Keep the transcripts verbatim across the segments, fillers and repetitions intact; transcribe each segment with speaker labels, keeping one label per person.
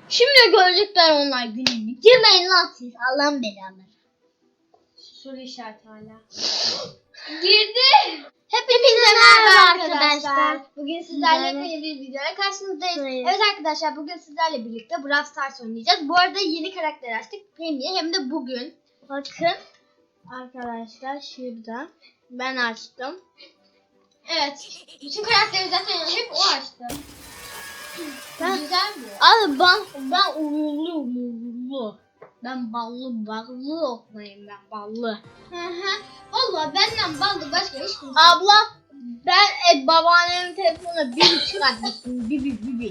Speaker 1: Şimdi görecekler onlar gününü. Girmeyin lan siz. Allah'ın belaları.
Speaker 2: Soru işareti hala.
Speaker 1: Girdi. Hepinize merhaba arkadaşlar. Bugün sizlerle yeni bir videoya karşınızdayız.
Speaker 2: Hayır.
Speaker 1: Evet arkadaşlar, bugün sizlerle birlikte Brawl Stars oynayacağız. Bu arada yeni karakter açtık. Hem de hem de bugün.
Speaker 2: Bakın arkadaşlar şurada ben açtım.
Speaker 1: Evet. Bütün karakteri zaten hep o açtı.
Speaker 2: Ben-
Speaker 1: Güzel mi?
Speaker 2: Abi ben ben uğurlu uğurlu. Ben ballı ballı oklayayım ben ballı.
Speaker 1: Hı hı. Valla benden ballı başka hiç kimse.
Speaker 2: Abla ben e, babaannemin telefonuna bir çıkart gittim bir bir bir bir.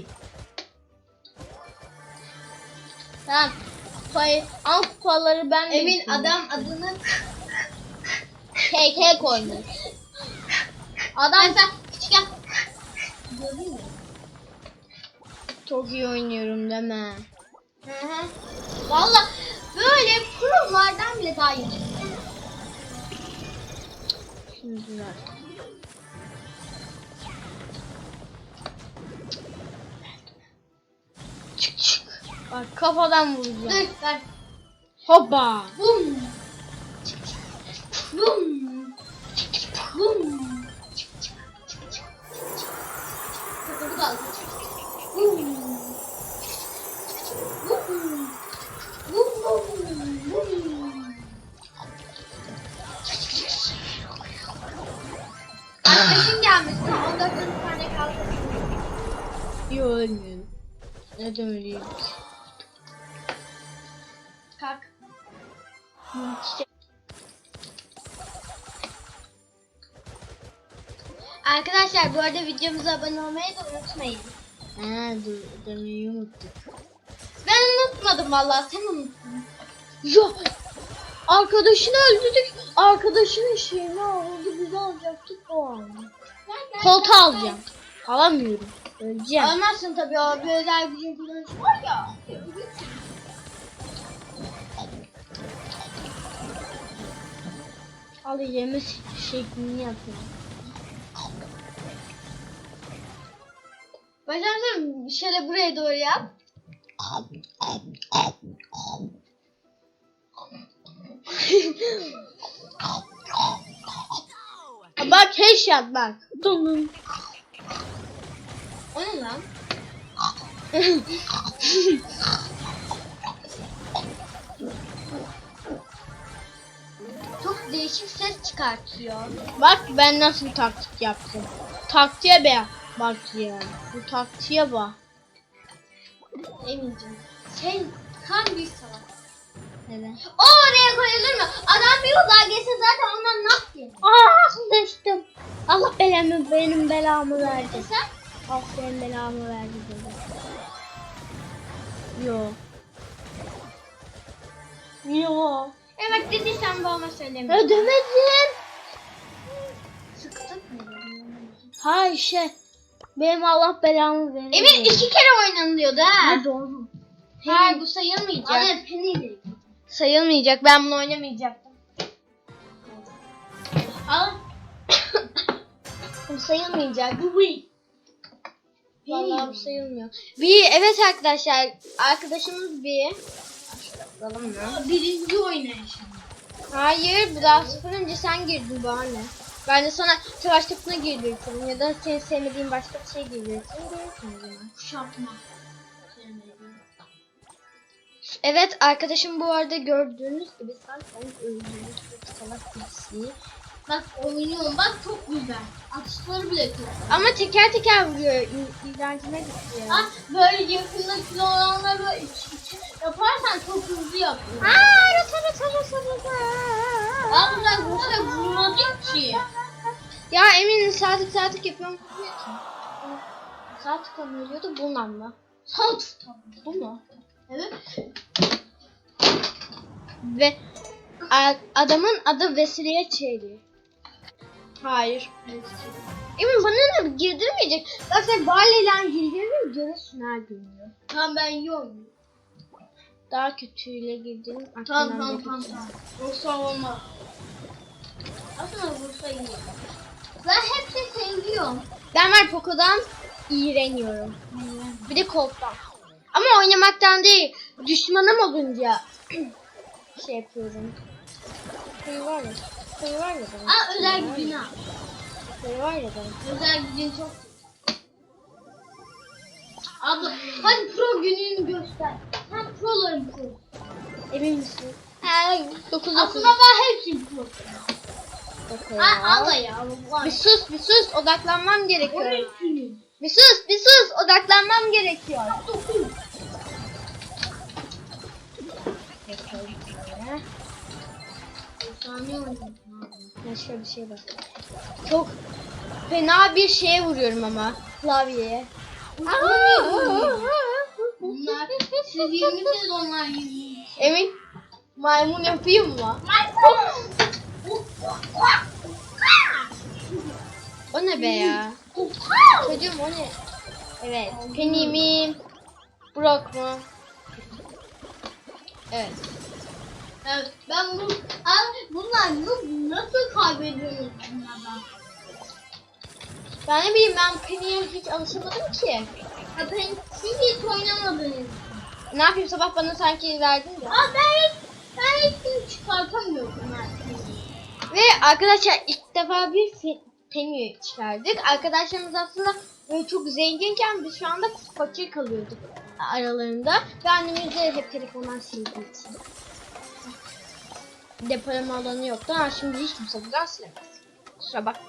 Speaker 2: Tamam. Kupayı, al kupaları ben de
Speaker 1: Emin
Speaker 2: gittim.
Speaker 1: adam adını
Speaker 2: K K koymuş. Adam
Speaker 1: sen küçükken gördün mü?
Speaker 2: çok iyi oynuyorum deme.
Speaker 1: Hı hı. Valla böyle prolardan bile daha iyi.
Speaker 2: Şimdi ver. Çık çık. Bak kafadan vuracağım.
Speaker 1: Dur ver.
Speaker 2: Hoppa.
Speaker 1: Bum. Bum. Bum. Bu da al. Bum. Bum. Bum bum bum. Arkadaşın gelmiş. Tam on dört tane kaldı.
Speaker 2: İyi ölmüyorum. Neden öleyim?
Speaker 1: Kalk. Arkadaşlar bu arada videomuza abone olmayı da unutmayın.
Speaker 2: Ha dur demeyi unuttuk.
Speaker 1: Ben unutmadım vallahi, sen unuttun.
Speaker 2: Ya arkadaşını öldürdük. Arkadaşının şeyini aldı. Biz alacaktık o an. Koltuğu alacağım. Alamıyorum. Öleceğim.
Speaker 1: Almazsın tabii, o bir özel gücün kullanıcı var ya.
Speaker 2: Al yeme şeklini yapıyorum.
Speaker 1: Başlarsın şöyle buraya doğru yap.
Speaker 2: Bak headshot bak. Donun.
Speaker 1: O ne lan? Çok değişik ses çıkartıyor.
Speaker 2: Bak ben nasıl taktik yaptım. Taktiğe be. Bak ya. Bu taktiğe bak.
Speaker 1: Emincim. Sen tam bir salak.
Speaker 2: Neden?
Speaker 1: O oraya koyulur mu? Adam bir uzağa geçse zaten ondan nak yer.
Speaker 2: Ah düştüm. Allah belamı benim belamı verdi.
Speaker 1: Sen?
Speaker 2: Allah benim belamı verdi dedi. Yo. Yo.
Speaker 1: Evet dediysen babama söyleme.
Speaker 2: Ödemedim.
Speaker 1: Sıktık mı?
Speaker 2: Ha şey. Benim Allah belamı verdi.
Speaker 1: Emin iki kere oynanıyordu ha.
Speaker 2: Ha, doğru.
Speaker 1: Hayır, bu sayılmayacak.
Speaker 2: Anne,
Speaker 1: peniydi.
Speaker 2: Sayılmayacak. Ben bunu oynamayacaktım.
Speaker 1: Al.
Speaker 2: Bu sayılmayacak.
Speaker 1: Bu bu.
Speaker 2: Vallahi bu sayılmıyor. Bir evet arkadaşlar. Arkadaşımız bir. Bakalım mı?
Speaker 1: Birinci oynayış.
Speaker 2: Hayır. Bu daha sıfır önce sen girdin bu anne. Ben de sana savaş topuna girdirtirim ya da senin sevmediğin başka bir şey girdirtirim. Görürsün o zaman.
Speaker 1: Kuşatma.
Speaker 2: Evet arkadaşım bu arada gördüğünüz gibi zaten öldüğünüz çok salak birisi.
Speaker 1: Bak oynuyorum, bak çok güzel. Atışları bile çok.
Speaker 2: Ama teker teker vuruyor. İ- İğrencine gitti ya.
Speaker 1: Ah, böyle yakında kilo olanları böyle iç içe yaparsan çok hızlı yapıyor.
Speaker 2: Aaa rata rata rata rata.
Speaker 1: Aa, bunlar burada vurmadı ki.
Speaker 2: Ya Emin saatlik saatlik yapıyorum. Saatlik mı ölüyordu bununla mı?
Speaker 1: Sal tutalım.
Speaker 2: Bu mu?
Speaker 1: Evet.
Speaker 2: Ve a- adamın adı Vesile Çeyli. Hayır. Emin bana ne girdirmeyecek. Bak sen Barley'le girdiğini görürsün her gün.
Speaker 1: Tamam, ben iyi oynuyorum.
Speaker 2: Daha kötüyle girdim.
Speaker 1: Tamam tamam tamam. tamam. Yoksa olmaz. Aslında vursa iyi. Ben hepsini seviyorum.
Speaker 2: Ben var Poco'dan iğreniyorum. Bir de Colt'tan. Ama oynamaktan Gerçekten değil. Düşmanım olunca şey yapıyorum. Şey var ya. Şey var ya benim.
Speaker 1: Aa özel gücünü al.
Speaker 2: Şey var ya benim.
Speaker 1: Özel gücün çok. Abla hadi pro gününü göster. Sen proların pro.
Speaker 2: Emin misin?
Speaker 1: Ee,
Speaker 2: dokuz
Speaker 1: aslında ben hepsi pro.
Speaker 2: Bakın.
Speaker 1: Aa, abla ya.
Speaker 2: Bir sus bir sus odaklanmam gerekiyor.
Speaker 1: Hepsini.
Speaker 2: Bir sus bir sus odaklanmam gerekiyor.
Speaker 1: Dokuz.
Speaker 2: Bakalım şöyle.
Speaker 1: Saniye oynadım.
Speaker 2: Ben şöyle bir şey bak. Çok fena bir şeye vuruyorum ama klavyeye.
Speaker 1: Bunlar siz yirmisiniz onlar yirmi.
Speaker 2: Emin maymun yapayım mı? O ne be ya? Çocuğum o ne? Evet. Penny mi? Brock mu? Evet.
Speaker 1: Evet, ben bu abi bunlar nasıl, nasıl kaybediyorsunuz bunlardan?
Speaker 2: Ben ne bileyim ben Penny'e hiç alışamadım ki.
Speaker 1: Ya ben siz hiç oynamadınız.
Speaker 2: Ne yapayım sabah bana sanki verdin ya.
Speaker 1: Aa ben hiç, ben hiç çıkartamıyorum bunlar.
Speaker 2: Ve arkadaşlar ilk defa bir fe- Penny çıkardık. Arkadaşlarımız aslında böyle çok zenginken biz şu anda fakir kalıyorduk aralarında. Ve annemiz de hep telefondan sildiği için. Depolama alanı yoktu ama şimdi hiç kimse buradan silemez. Kusura bakma.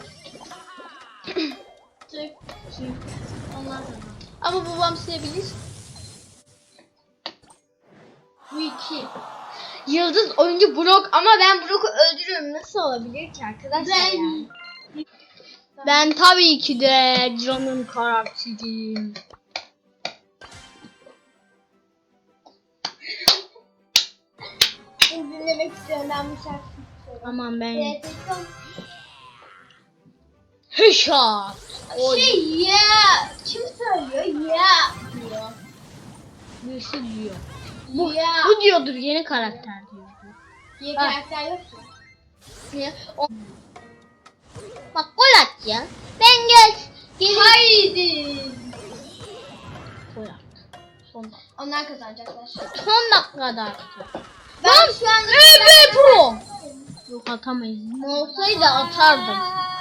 Speaker 1: Çık, çık. Onlar da.
Speaker 2: Ama babam silebilir.
Speaker 1: Bu iki.
Speaker 2: Yıldız oyuncu Brock ama ben Brock'u öldürüyorum. Nasıl olabilir ki arkadaşlar
Speaker 1: Ben-
Speaker 2: yani? Ben tabii ki de canım karakterim. Şimdi dinlemek istiyorum ben bu şarkıyı istiyorum.
Speaker 1: Aman ben.
Speaker 2: Evet, Heşat.
Speaker 1: Şey yeah. Kim söylüyor? Yeah diyor.
Speaker 2: Birisi diyor.
Speaker 1: Bu, yeah.
Speaker 2: Bu diyordur yeni karakter diyor.
Speaker 1: diye
Speaker 2: Ha.
Speaker 1: karakter yok ki.
Speaker 2: Niye? O... Bak gol at ya. Ben gel. Gelin.
Speaker 1: Haydi.
Speaker 2: Gol at. Son,
Speaker 1: Onlar kazanacaklar.
Speaker 2: son dakikada attı.
Speaker 1: Ben şu an
Speaker 2: Evet pro. Yok atamayız. Olsaydı atardım.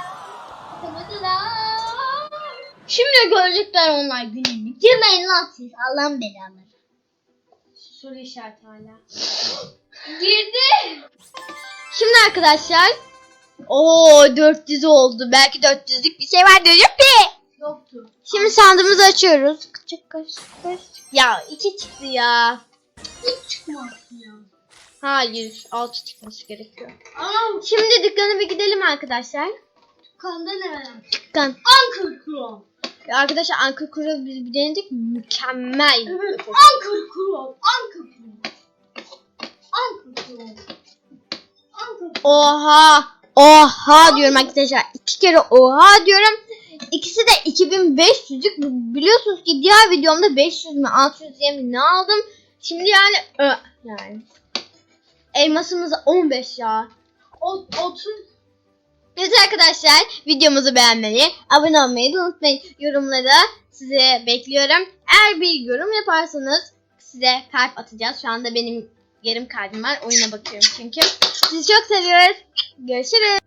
Speaker 2: Şimdi görecekler onlar gününü. Girmeyin lan siz. Allah'ın belaları.
Speaker 1: Soru işareti hala. Girdi.
Speaker 2: Şimdi arkadaşlar. Oo dört yüz oldu. Belki dört yüzlük bir şey var diyorum ki.
Speaker 1: Yoktu.
Speaker 2: Şimdi sandığımızı açıyoruz. Küçük kaç kaç. Ya iki çıktı ya.
Speaker 1: Hiç çıkmaz ya.
Speaker 2: Hayır altı çıkması gerekiyor.
Speaker 1: Ama
Speaker 2: Şimdi dükkana bir gidelim arkadaşlar.
Speaker 1: kanda ne var?
Speaker 2: Dükkan.
Speaker 1: Anchor Chrome.
Speaker 2: Arkadaşlar Anka Kuru biz bir denedik. Mükemmel.
Speaker 1: Evet. Anchor Chrome. Anchor Chrome. Anchor Chrome. Anchor Chrome.
Speaker 2: Oha. Oha diyorum arkadaşlar. İki kere oha diyorum. İkisi de iki bin beş yüzlük. Biliyorsunuz ki diğer videomda beş yüz mü altı yüz diye mi ne aldım. Şimdi yani ö, yani. Elmasımız on beş ya.
Speaker 1: O, otuz.
Speaker 2: Evet arkadaşlar videomuzu beğenmeyi, abone olmayı da unutmayın. Yorumlara size bekliyorum. Eğer bir yorum yaparsanız size kalp atacağız. Şu anda benim yarım kalbim var. Oyuna bakıyorum çünkü. Sizi çok seviyoruz. Görüşürüz.